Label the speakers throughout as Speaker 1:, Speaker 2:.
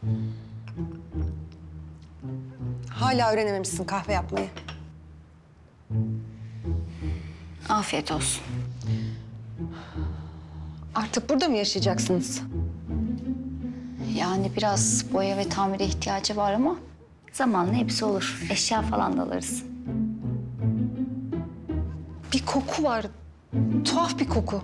Speaker 1: Hala öğrenememişsin kahve yapmayı.
Speaker 2: Afiyet olsun.
Speaker 1: Artık burada mı yaşayacaksınız?
Speaker 2: Yani biraz boya ve tamire ihtiyacı var ama zamanla hepsi olur. Eşya falan da alırız.
Speaker 1: Bir koku var. Tuhaf bir koku.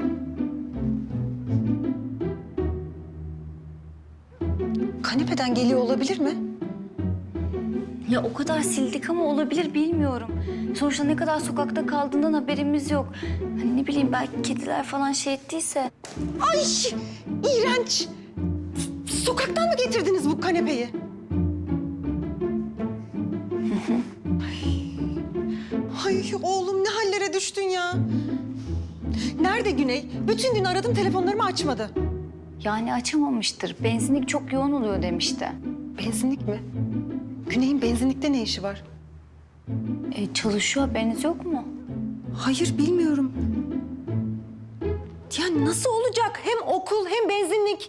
Speaker 1: Kanepeden geliyor olabilir mi?
Speaker 2: Ya o kadar sildik ama olabilir bilmiyorum. Sonuçta ne kadar sokakta kaldığından haberimiz yok. Hani ne bileyim belki kediler falan şey ettiyse.
Speaker 1: Ay! İğrenç! Sokaktan mı getirdiniz bu kanepeyi? Ay oğlum ne hallere düştün ya. Nerede Güney? Bütün gün aradım telefonlarımı açmadı.
Speaker 2: Yani açamamıştır. Benzinlik çok yoğun oluyor demişti.
Speaker 1: Benzinlik mi? Güney'in benzinlikte ne işi var?
Speaker 2: Çalışıyor haberiniz yok mu?
Speaker 1: Hayır bilmiyorum. Ya nasıl olacak? Hem okul hem benzinlik.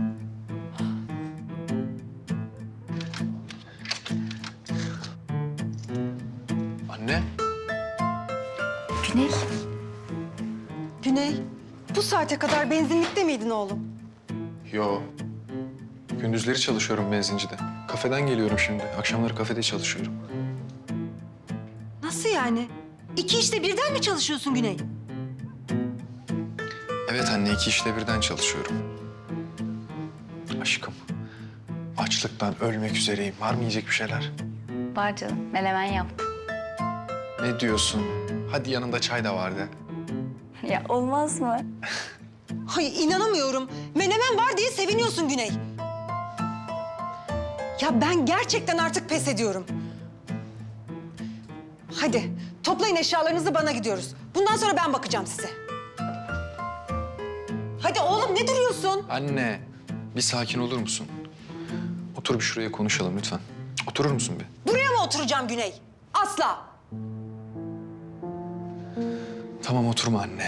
Speaker 3: Anne.
Speaker 2: Güney.
Speaker 1: Güney, bu saate kadar benzinlikte miydin oğlum?
Speaker 3: Yo. Gündüzleri çalışıyorum benzincide. Kafeden geliyorum şimdi. Akşamları kafede çalışıyorum.
Speaker 1: Nasıl yani? İki işte birden mi çalışıyorsun Güney?
Speaker 3: Evet anne, 2 işte birden çalışıyorum. Aşkım, açlıktan ölmek üzereyim. Var mı yiyecek bir şeyler?
Speaker 2: Var canım. Menemen yaptım.
Speaker 3: Ne diyorsun? Hadi yanında çay da var de.
Speaker 2: Ya olmaz mı?
Speaker 1: Hayır inanamıyorum. Menemen var diye seviniyorsun Güney. Ya ben gerçekten artık pes ediyorum. Hadi toplayın eşyalarınızı bana gidiyoruz. Bundan sonra ben bakacağım size. Hadi oğlum ne duruyorsun?
Speaker 3: Anne, bir sakin olur musun? Otur bir şuraya konuşalım lütfen. Oturur musun bir?
Speaker 1: Buraya mı oturacağım Güney? Asla.
Speaker 3: Tamam oturma anne.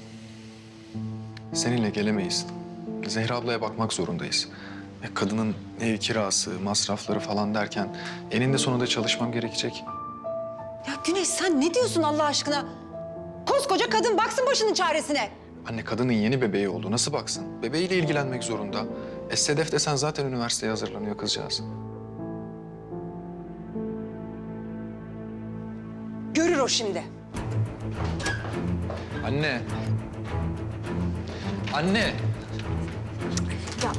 Speaker 3: Seninle gelemeyiz. Zehra ablaya bakmak zorundayız. Kadının ev kirası, masrafları falan derken eninde sonunda çalışmam gerekecek.
Speaker 1: Ya Güney sen ne diyorsun Allah aşkına? Koskoca kadın baksın başının çaresine.
Speaker 3: Anne kadının yeni bebeği oldu. Nasıl baksın? Bebeğiyle ilgilenmek zorunda. Sedef desen zaten üniversiteye hazırlanıyor kızcağız.
Speaker 1: Görür o şimdi.
Speaker 3: Anne. Anne.
Speaker 1: Ya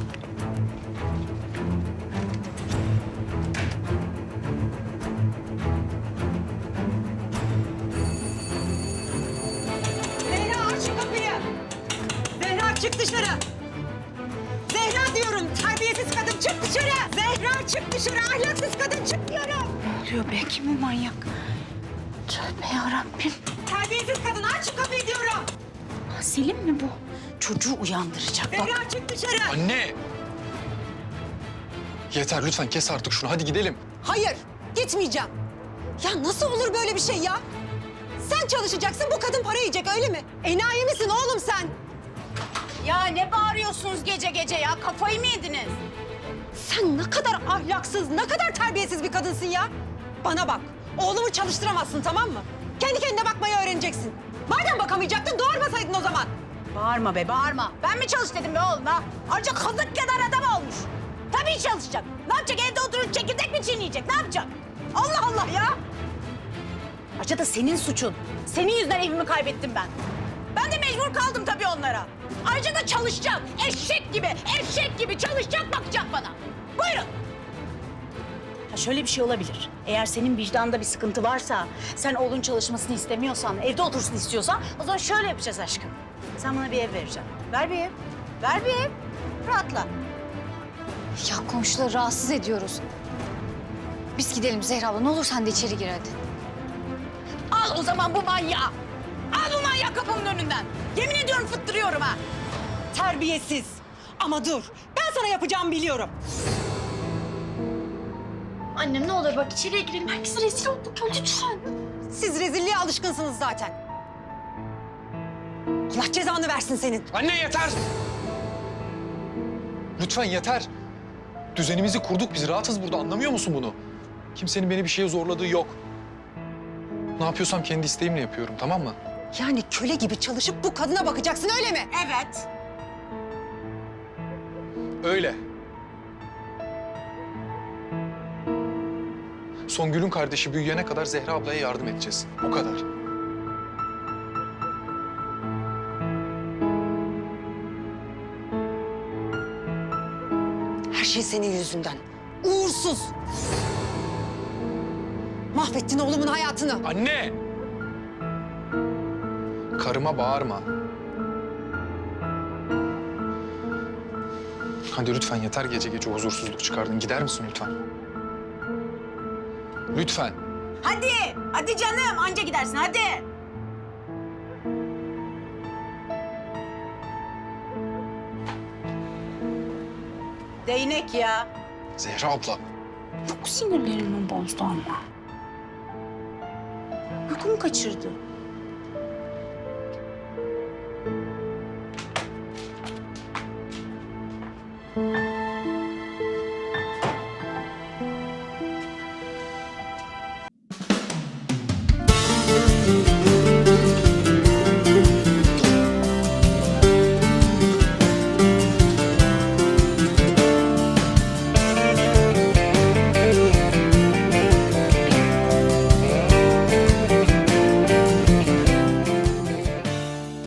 Speaker 1: Zehra aç şu kapıyı. Zehra çık dışarı. Zehra diyorum terbiyesiz kadın çık dışarı. Zehra çık dışarı ahlaksız kadın çık diyorum.
Speaker 2: Ne oluyor be? Kim bu manyak? Tövbe yarabbim.
Speaker 1: Terbiyesiz kadın aç şu kapıyı diyorum.
Speaker 2: Selim mi bu? Çocuğu uyandıracak bak.
Speaker 1: Zehra çık dışarı.
Speaker 3: Anne. Yeter lütfen kes artık şunu. Hadi gidelim.
Speaker 1: Hayır gitmeyeceğim. Ya nasıl olur böyle bir şey ya? Sen çalışacaksın bu kadın para yiyecek öyle mi? Enayi misin oğlum sen?
Speaker 4: Ya ne bağırıyorsunuz gece gece ya? Kafayı mı yediniz?
Speaker 1: Sen ne kadar ahlaksız, ne kadar terbiyesiz bir kadınsın ya. Bana bak, oğlumu çalıştıramazsın tamam mı? Kendi kendine bakmayı öğreneceksin. Madem bakamayacaktın doğurmasaydın o zaman.
Speaker 4: Bağırma be bağırma. Ben mi çalış dedim be oğluma? Ayrıca kazık kadar adam olmuş. Tabii çalışacak. Ne yapacak evde oturup çekirdek mi çiğneyecek? Ne yapacak? Allah Allah ya. Ayrıca da senin suçun. Senin yüzünden evimi kaybettim ben. Ben de mecbur kaldım tabii onlara. Ayrıca da çalışacak. Eşek gibi çalışacak bakacak bana. Buyurun. Ha şöyle bir şey olabilir. Eğer senin vicdanında bir sıkıntı varsa, sen oğlun çalışmasını istemiyorsan, evde otursun istiyorsan, o zaman şöyle yapacağız aşkım. Sen bana bir ev vereceksin. Ver bir ev. Ver bir ev. Rahatla.
Speaker 2: Ya komşuları rahatsız ediyoruz. Biz gidelim Zehra abla. Ne olur sen de içeri gir hadi.
Speaker 4: Al o zaman bu manyağı. Al bu manyağı kapımın önünden. Yemin ediyorum fıttırıyorum ha.
Speaker 1: Terbiyesiz. Ama dur, ben sana yapacağımı biliyorum.
Speaker 5: Annem ne olur bak içeriye girelim. Herkes rezil olduk ya lütfen.
Speaker 1: Siz rezilliğe alışkınsınız zaten. Allah cezanı versin senin.
Speaker 3: Anne yeter. Lütfen yeter. Düzenimizi kurduk, biz rahatız burada, anlamıyor musun bunu? Kimsenin beni bir şeye zorladığı yok. Ne yapıyorsam kendi isteğimle yapıyorum, tamam mı?
Speaker 1: Yani köle gibi çalışıp bu kadına bakacaksın öyle mi?
Speaker 4: Evet.
Speaker 3: Öyle. Songül'ün kardeşi büyüyene kadar Zehra ablaya yardım edeceğiz. O kadar.
Speaker 1: Her şey senin yüzünden. Uğursuz. Mahvettin oğlumun hayatını.
Speaker 3: Anne! Karıma bağırma. Hadi lütfen yeter, gece gece huzursuzluk çıkardın. Gider misin lütfen? Lütfen.
Speaker 4: Hadi. Hadi canım. Anca gidersin hadi. Değnek ya.
Speaker 3: Zehra abla.
Speaker 4: Çok sinirlerimi bozdu ama. Uykumu kaçırdı.